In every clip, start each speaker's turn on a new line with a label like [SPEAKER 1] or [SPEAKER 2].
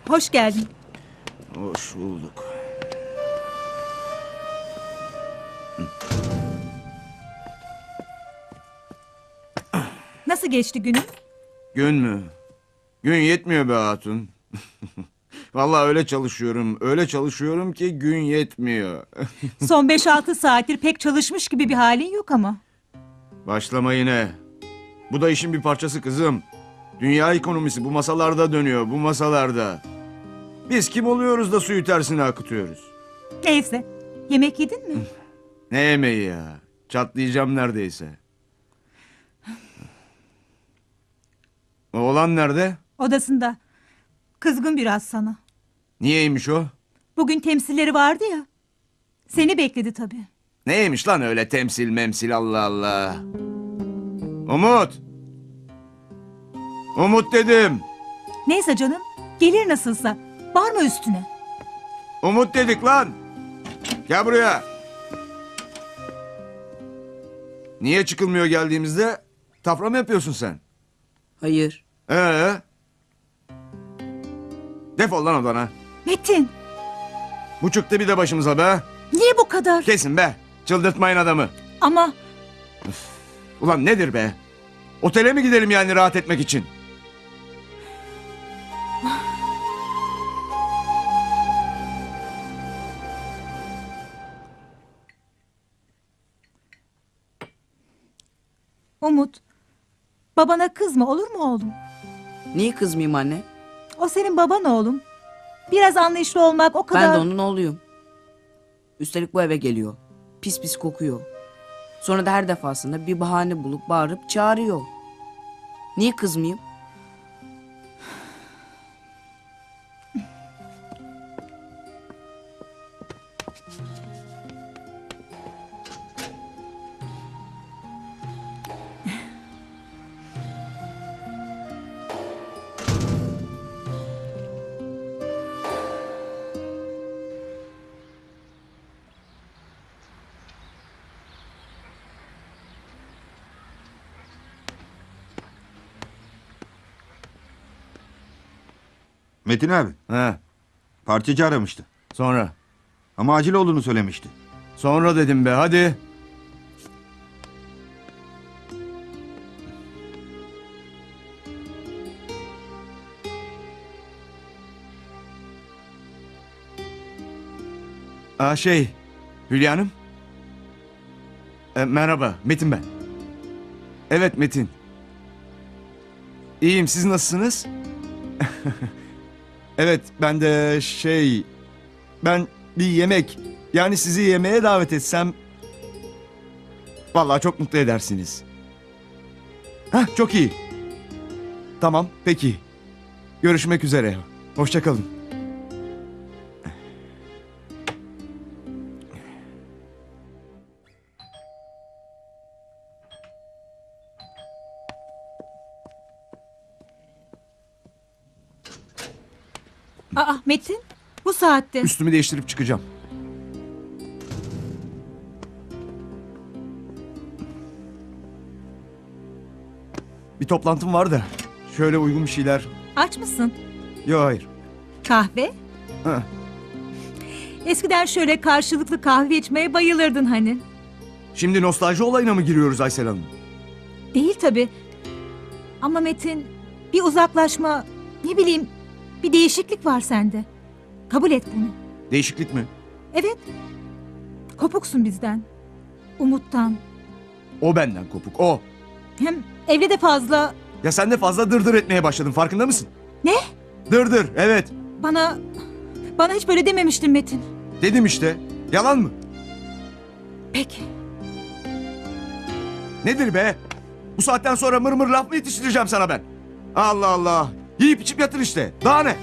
[SPEAKER 1] Hoş geldin.
[SPEAKER 2] Hoş bulduk.
[SPEAKER 1] Nasıl geçti günün?
[SPEAKER 2] Gün mü? Gün yetmiyor be hatun. Vallahi öyle çalışıyorum ki gün yetmiyor.
[SPEAKER 1] Son 5-6 saattir pek çalışmış gibi bir halin yok ama.
[SPEAKER 2] Başlama yine. Bu da işin bir parçası kızım. Dünya ekonomisi bu masalarda dönüyor, bu masalarda. Biz kim oluyoruz da suyu tersine akıtıyoruz?
[SPEAKER 1] Neyse. Yemek yedin mi?
[SPEAKER 2] Ne yemeği ya? Çatlayacağım neredeyse. Oğlan nerede?
[SPEAKER 1] Odasında. Kızgın biraz sana.
[SPEAKER 2] Niyeymiş o?
[SPEAKER 1] Bugün temsilleri vardı ya. Seni bekledi tabii.
[SPEAKER 2] Neymiş lan öyle temsil memsil Allah Allah. Umut! Umut dedim.
[SPEAKER 1] Neyse canım. Gelir nasılsa. Bağırma üstüne.
[SPEAKER 2] Umut dedik lan. Gel buraya. Niye çıkılmıyor geldiğimizde? Tafra mı yapıyorsun sen?
[SPEAKER 3] Hayır.
[SPEAKER 2] Defol lan odana.
[SPEAKER 1] Metin.
[SPEAKER 2] Bu çıktı bir de başımıza be.
[SPEAKER 1] Niye bu kadar?
[SPEAKER 2] Kesin be. Çıldırtmayın adamı.
[SPEAKER 1] Ama
[SPEAKER 2] Ulan nedir be? Otele mi gidelim yani rahat etmek için?
[SPEAKER 1] Umut. Babana kızma olur mu oğlum?
[SPEAKER 3] Niye kızmayayım anne?
[SPEAKER 1] O senin baban oğlum. Biraz anlayışlı olmak o kadar...
[SPEAKER 3] Ben de onun oğluyum. Üstelik bu eve geliyor. Pis pis kokuyor. Sonra da her defasında bir bahane bulup bağırıp çağırıyor. Niye kızmayayım?
[SPEAKER 4] Metin abi,
[SPEAKER 2] He.
[SPEAKER 4] parçacı aramıştı.
[SPEAKER 2] Sonra.
[SPEAKER 4] Ama acil olduğunu söylemişti.
[SPEAKER 2] Sonra dedim be hadi. Hülya Hanım. Merhaba, Metin ben. Evet Metin. İyiyim, siz nasılsınız? Evet, ben de ben bir yemek, yani sizi yemeğe davet etsem... Vallahi çok mutlu edersiniz. Hah, çok iyi. Tamam, peki. Görüşmek üzere. Hoşça kalın.
[SPEAKER 1] Aa Metin. Bu saatte.
[SPEAKER 2] Üstümü değiştirip çıkacağım. Bir toplantım var da. Şöyle uygun bir şeyler.
[SPEAKER 1] Aç mısın?
[SPEAKER 2] Yok hayır.
[SPEAKER 1] Kahve?
[SPEAKER 2] Ha.
[SPEAKER 1] Eskiden şöyle karşılıklı kahve içmeye bayılırdın hani.
[SPEAKER 2] Şimdi nostalji olayına mı giriyoruz Aysel Hanım?
[SPEAKER 1] Değil tabii. Ama Metin bir uzaklaşma, ne bileyim bir değişiklik var sende. Kabul et bunu.
[SPEAKER 2] Değişiklik mi?
[SPEAKER 1] Evet. Kopuksun bizden. Umut'tan.
[SPEAKER 2] O benden kopuk, o.
[SPEAKER 1] Hem evde de fazla
[SPEAKER 2] Ya sen de fazla dırdır etmeye başladın, farkında mısın?
[SPEAKER 1] ne?
[SPEAKER 2] Dırdır, evet.
[SPEAKER 1] Bana hiç böyle dememiştin Metin.
[SPEAKER 2] Dedim işte. Yalan mı?
[SPEAKER 1] Peki.
[SPEAKER 2] Nedir be? Bu saatten sonra mır mır laf mı yetiştireceğim sana ben? Allah Allah. Yiyip içip yatır işte. Daha ne?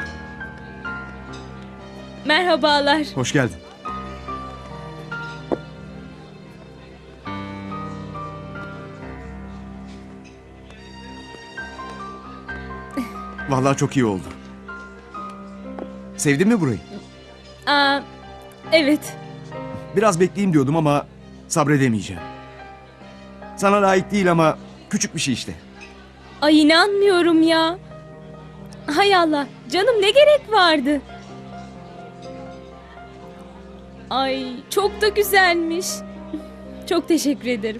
[SPEAKER 5] Merhabalar.
[SPEAKER 2] Hoş geldin. Vallahi çok iyi oldu. Sevdin mi burayı?
[SPEAKER 5] Aa, evet.
[SPEAKER 2] Biraz bekleyeyim diyordum ama sabredemeyeceğim. Sana layık değil ama küçük bir şey işte.
[SPEAKER 5] Ay inanmıyorum ya. Hay Allah, canım ne gerek vardı? Ay çok da güzelmiş. Çok teşekkür ederim.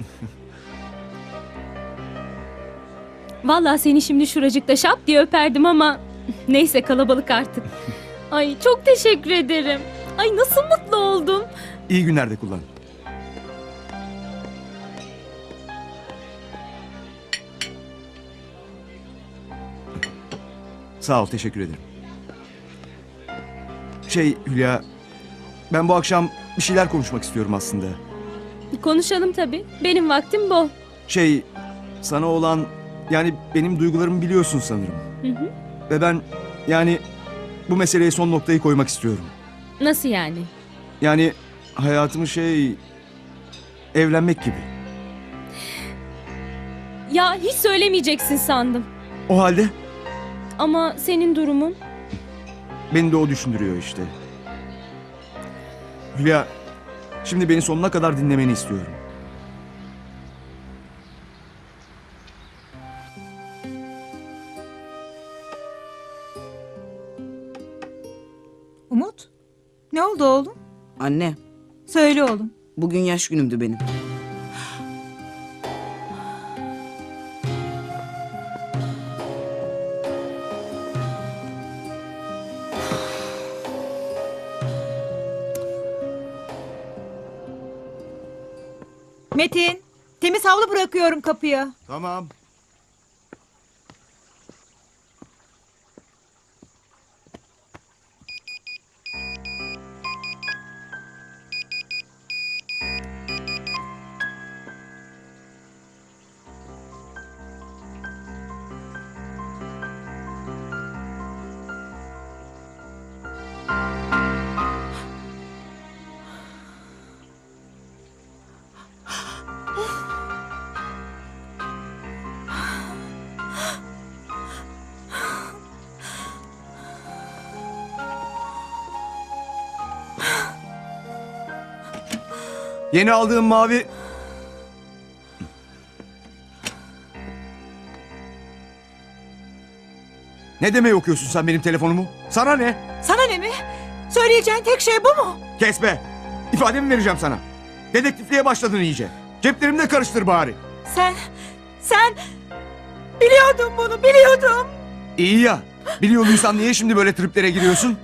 [SPEAKER 5] Vallahi seni şimdi şuracıkta şap diye öperdim ama neyse kalabalık artık. Ay çok teşekkür ederim. Ay nasıl mutlu oldum.
[SPEAKER 2] İyi günlerde kullan. Sağ ol, teşekkür ederim. Hülya, ben bu akşam bir şeyler konuşmak istiyorum aslında.
[SPEAKER 5] Konuşalım tabii. Benim vaktim bol.
[SPEAKER 2] Sana olan, yani benim duygularımı biliyorsun sanırım.
[SPEAKER 5] Hı hı.
[SPEAKER 2] Ve ben, yani bu meseleye son noktayı koymak istiyorum.
[SPEAKER 5] Nasıl yani?
[SPEAKER 2] Yani hayatımı evlenmek gibi.
[SPEAKER 5] Ya hiç söylemeyeceksin sandım.
[SPEAKER 2] O halde
[SPEAKER 5] Ama senin durumun...
[SPEAKER 2] beni de o düşündürüyor işte. Hülya, şimdi beni sonuna kadar dinlemeni istiyorum.
[SPEAKER 1] Umut, ne oldu oğlum?
[SPEAKER 3] Anne,
[SPEAKER 1] Söyle oğlum.
[SPEAKER 3] bugün yaş günümdü benim.
[SPEAKER 1] Metin, temiz havlu bırakıyorum kapıya.
[SPEAKER 2] Tamam. Yeni aldığım mavi... Ne demeye okuyorsun sen benim telefonumu? Sana ne?
[SPEAKER 1] Sana ne mi? Söyleyeceğin tek şey bu mu?
[SPEAKER 2] Kes be! İfademi vereceğim sana. Dedektifliğe başladın iyice. Ceplerimi de karıştır bari.
[SPEAKER 1] Sen biliyordun bunu, biliyordum.
[SPEAKER 2] İyi ya. Biliyorduysan niye şimdi böyle triplere giriyorsun?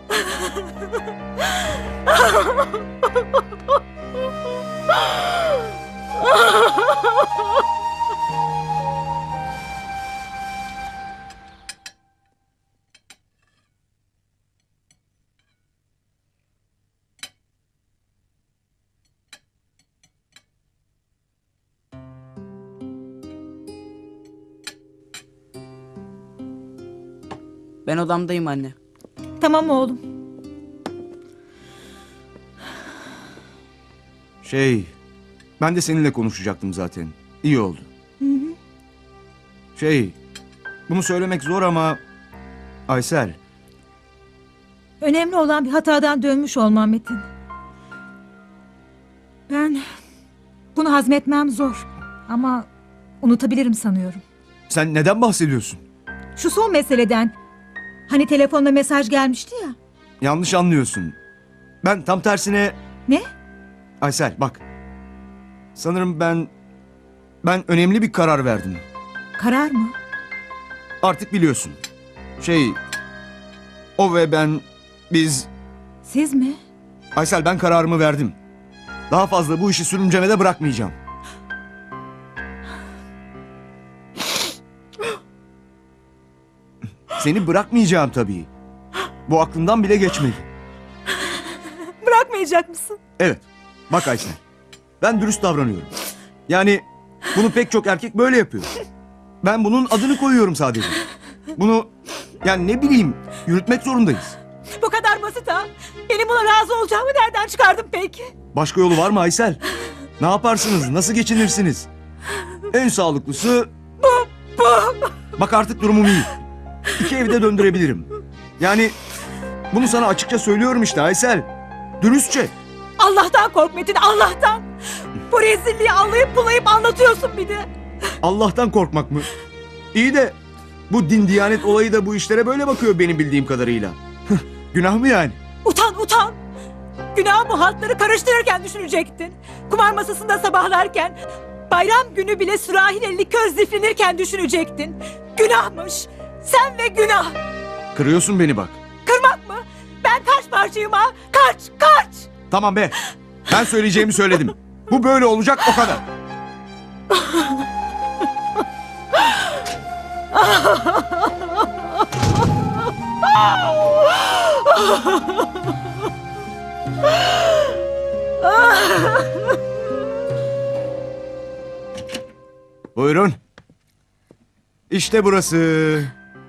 [SPEAKER 3] Ben odamdayım anne.
[SPEAKER 1] Tamam oğlum.
[SPEAKER 2] Ben de seninle konuşacaktım zaten. İyi oldu. Bunu söylemek zor ama... Aysel,
[SPEAKER 1] Önemli olan bir hatadan dönmüş olmam Metin. Ben bunu hazmetmem zor ama unutabilirim sanıyorum.
[SPEAKER 2] sen neden bahsediyorsun?
[SPEAKER 1] Şu son meseleden, hani telefonla mesaj gelmişti ya.
[SPEAKER 2] Yanlış anlıyorsun. Ben tam tersine...
[SPEAKER 1] Ne?
[SPEAKER 2] Aysel bak. Sanırım ben önemli bir karar verdim.
[SPEAKER 1] Karar mı?
[SPEAKER 2] Artık biliyorsun. O ve biz...
[SPEAKER 1] Siz mi?
[SPEAKER 2] Aysel, ben kararımı verdim. Daha fazla bu işi sürüncemede bırakmayacağım. Seni bırakmayacağım tabii. Bu aklımdan bile geçmedi.
[SPEAKER 1] Bırakmayacak mısın?
[SPEAKER 2] Evet. Bak Aysel. Ben dürüst davranıyorum. Yani bunu pek çok erkek böyle yapıyor. Ben bunun adını koyuyorum sadece. Bunu yani ne bileyim yürütmek zorundayız.
[SPEAKER 1] Bu kadar basit ha. Benim buna razı olacağımı nereden çıkardın peki?
[SPEAKER 2] Başka yolu var mı Aysel? Ne yaparsınız? Nasıl geçinirsiniz? En sağlıklısı... Bu. Bak artık durumum iyi. iki evde döndürebilirim. Yani bunu sana açıkça söylüyorum işte Aysel. Dürüstçe.
[SPEAKER 1] Allah'tan kork Metin, Allah'tan. Bu rezilliği anlayıp bulayıp anlatıyorsun bir de.
[SPEAKER 2] Allah'tan korkmak mı? İyi de bu din diyanet olayı da bu işlere böyle bakıyor benim bildiğim kadarıyla. Günah mı yani?
[SPEAKER 1] Utan utan. Günah bu haltları karıştırırken düşünecektin. Kumar masasında sabahlarken, bayram günü bile sürahiyle likör ziflenirken düşünecektin. Günahmış. Sen ve günah.
[SPEAKER 2] Kırıyorsun beni bak.
[SPEAKER 1] Kırmak mı? Ben kaç parçayım ha? Kaç, kaç.
[SPEAKER 2] Tamam be. Ben söyleyeceğimi söyledim. Bu böyle olacak o kadar. Buyurun. İşte burası.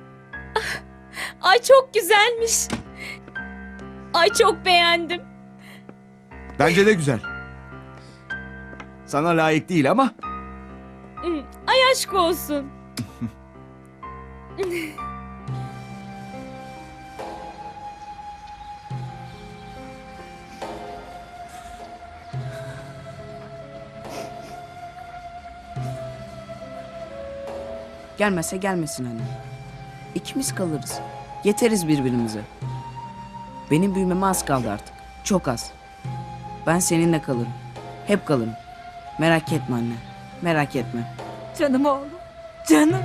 [SPEAKER 5] Ay çok güzelmiş. Ay çok beğendim.
[SPEAKER 2] Bence de güzel. Sana layık değil ama
[SPEAKER 5] Ay aşk olsun.
[SPEAKER 3] Gelmese gelmesin anne. İkimiz kalırız. Yeteriz birbirimize. Benim büyümeme az kaldı artık. Çok az. Ben seninle kalırım. Hep kalırım. Merak etme anne. Merak etme.
[SPEAKER 1] Canım oğlum, canım.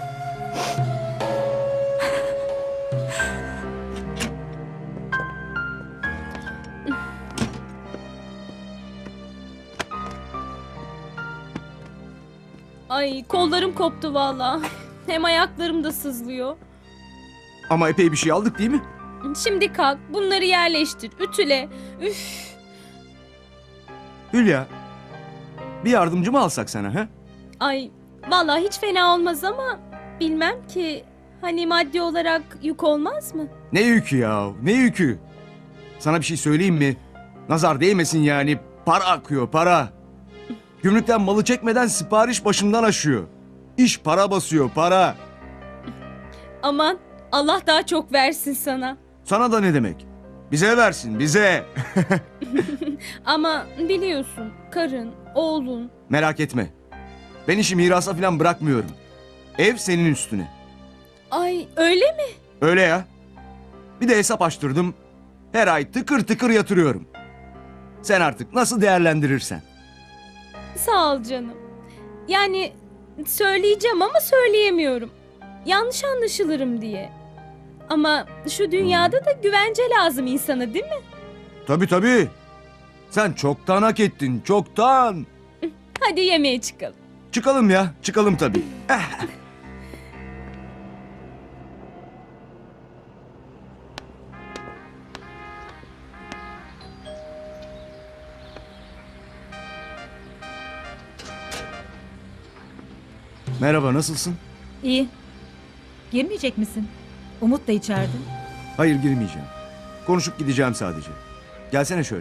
[SPEAKER 5] Ay kollarım koptu valla. Hem ayaklarım da sızlıyor.
[SPEAKER 2] ama epey bir şey aldık değil mi?
[SPEAKER 5] Şimdi kalk bunları yerleştir. Ütüle. Üf.
[SPEAKER 2] Hülya. Bir yardımcı mı alsak sana ha?
[SPEAKER 5] Ay valla hiç fena olmaz ama bilmem ki hani maddi olarak yük olmaz mı?
[SPEAKER 2] Ne yükü ya? Ne yükü? Sana bir şey söyleyeyim mi? Nazar değmesin yani. Para akıyor, para. Gümrükten malı çekmeden sipariş başımdan aşıyor. İş para basıyor, para.
[SPEAKER 5] Aman Allah daha çok versin sana.
[SPEAKER 2] Sana da ne demek? Bize versin, bize.
[SPEAKER 5] Ama biliyorsun karın, oğlun.
[SPEAKER 2] Merak etme. Ben işi mirasa falan bırakmıyorum. Ev senin üstüne.
[SPEAKER 5] Ay öyle mi?
[SPEAKER 2] Öyle ya. Bir de hesap açtırdım. Her ay tıkır tıkır yatırıyorum. Sen artık nasıl değerlendirirsen.
[SPEAKER 5] Sağ ol canım. Yani söyleyeceğim ama söyleyemiyorum. Yanlış anlaşılırım diye. Ama şu dünyada da güvence lazım insana değil mi?
[SPEAKER 2] Tabii tabii. Sen çoktan hak ettin, çoktan.
[SPEAKER 5] Hadi yemeğe çıkalım.
[SPEAKER 2] Çıkalım ya, çıkalım tabii. Merhaba, nasılsın?
[SPEAKER 1] İyi. Girmeyecek misin? Umut da içeride.
[SPEAKER 2] Hayır, girmeyeceğim. Konuşup gideceğim sadece. Gelsene şöyle.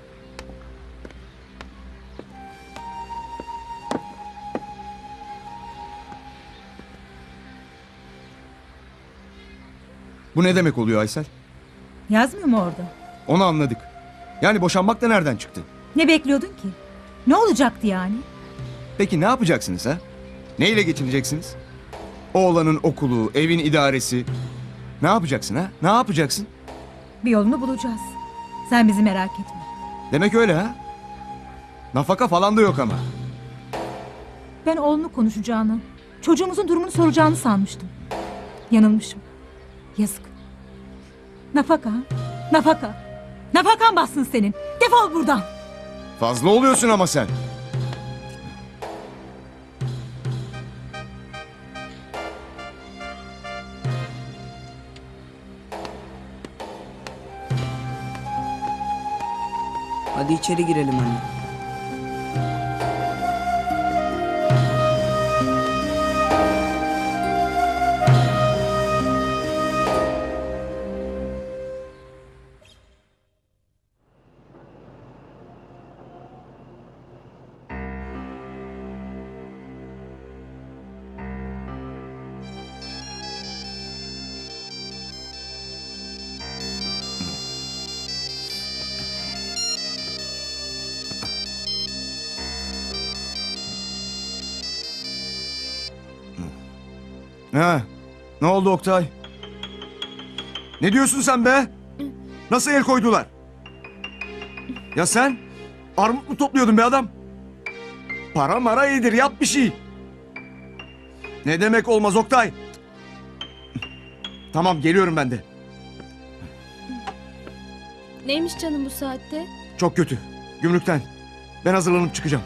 [SPEAKER 2] Bu ne demek oluyor Aysel?
[SPEAKER 1] Yazmıyor mu orada?
[SPEAKER 2] Onu anladık. Yani boşanmak da nereden çıktı?
[SPEAKER 1] Ne bekliyordun ki? Ne olacaktı yani?
[SPEAKER 2] Peki ne yapacaksınız ha? Neyle geçineceksiniz? Oğlanın okulu, evin idaresi. Ne yapacaksın ha? Ne yapacaksın?
[SPEAKER 1] Bir yolunu bulacağız. Sen bizi merak etme.
[SPEAKER 2] Demek öyle ha? Nafaka falan da yok ama.
[SPEAKER 1] Ben oğlunu konuşacağını, çocuğumuzun durumunu soracağını sanmıştım. Yanılmışım. Yazık. Nafaka, ha? Nafaka. Nafakan bassın senin. Defol buradan.
[SPEAKER 2] Fazla oluyorsun ama sen.
[SPEAKER 3] Hadi içeri girelim anne.
[SPEAKER 2] Ha, ne oldu Oktay? Ne diyorsun sen be? Nasıl el koydular? Ya sen armut mu topluyordun be adam? Para mara iyidir, yap bir şey. Ne demek olmaz Oktay? Tamam, geliyorum ben de.
[SPEAKER 5] Neymiş canım bu saatte?
[SPEAKER 2] Çok kötü. Gümrükten. Ben hazırlanıp çıkacağım.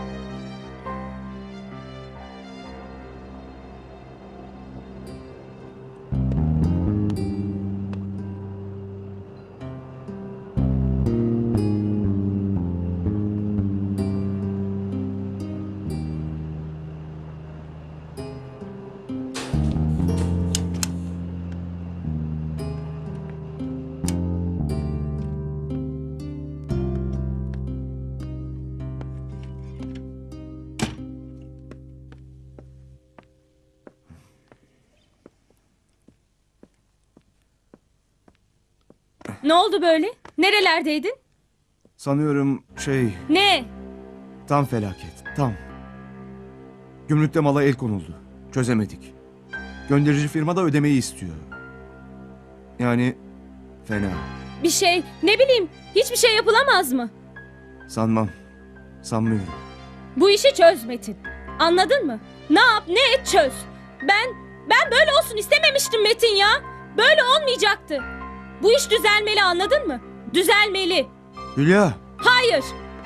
[SPEAKER 5] Ne oldu böyle? Nerelerdeydin?
[SPEAKER 2] Sanıyorum
[SPEAKER 5] Ne?
[SPEAKER 2] tam felaket. Tam. Gümrükte mala el konuldu. Çözemedik. Gönderici firma da ödemeyi istiyor. Yani fena.
[SPEAKER 5] Bir şey, ne bileyim, hiçbir şey yapılamaz mı?
[SPEAKER 2] Sanmam. Sanmıyorum.
[SPEAKER 5] Bu işi çöz Metin. Anladın mı? Ne yap, ne et çöz. Ben böyle olsun istememiştim Metin ya. Böyle olmayacaktı. Bu iş düzelmeli, anladın mı? Düzelmeli.
[SPEAKER 2] Hülya.
[SPEAKER 5] Hayır.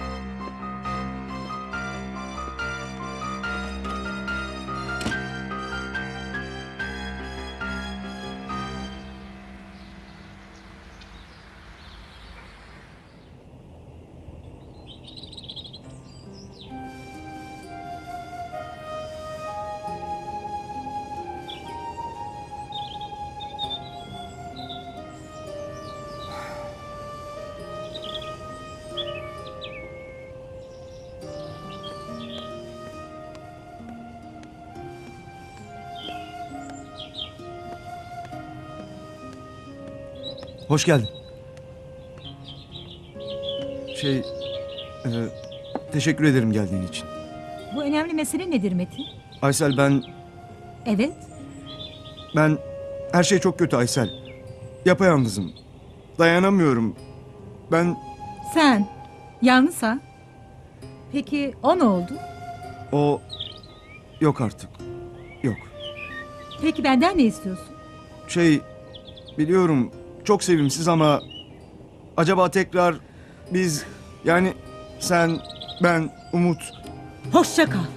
[SPEAKER 2] Hoş geldin. Teşekkür ederim geldiğin için.
[SPEAKER 1] Bu önemli mesele nedir Metin?
[SPEAKER 2] Aysel
[SPEAKER 1] Evet.
[SPEAKER 2] ben her şey çok kötü Aysel. Yapayalnızım. Dayanamıyorum.
[SPEAKER 1] Sen yalnız ha? Peki o ne oldu?
[SPEAKER 2] O yok artık. Yok.
[SPEAKER 1] Peki benden ne istiyorsun?
[SPEAKER 2] Biliyorum çok sevimsiz ama acaba tekrar biz yani sen, ben, Umut.
[SPEAKER 1] Hoşça kal.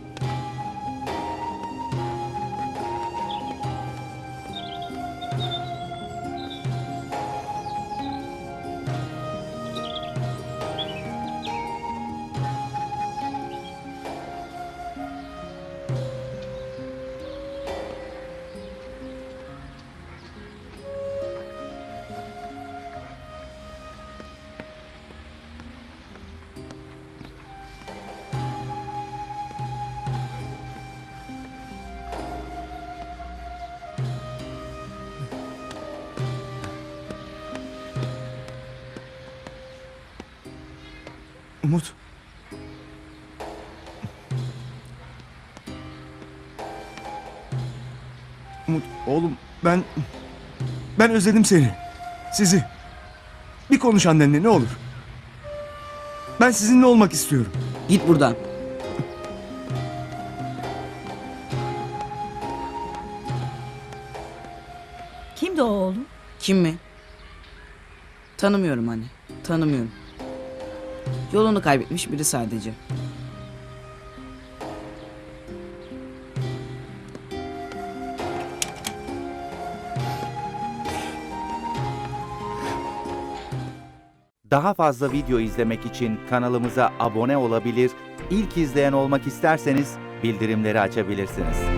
[SPEAKER 2] Umut. Umut oğlum ben özledim seni. Sizi. Bir konuş annenle ne olur. Ben sizinle olmak istiyorum.
[SPEAKER 3] Git buradan.
[SPEAKER 1] Kimdi o oğlum?
[SPEAKER 3] Kim mi? Tanımıyorum anne. Tanımıyorum. Yolunu kaybetmiş biri sadece.
[SPEAKER 6] Daha fazla video izlemek için kanalımıza abone olabilir, ilk izleyen olmak isterseniz bildirimleri açabilirsiniz.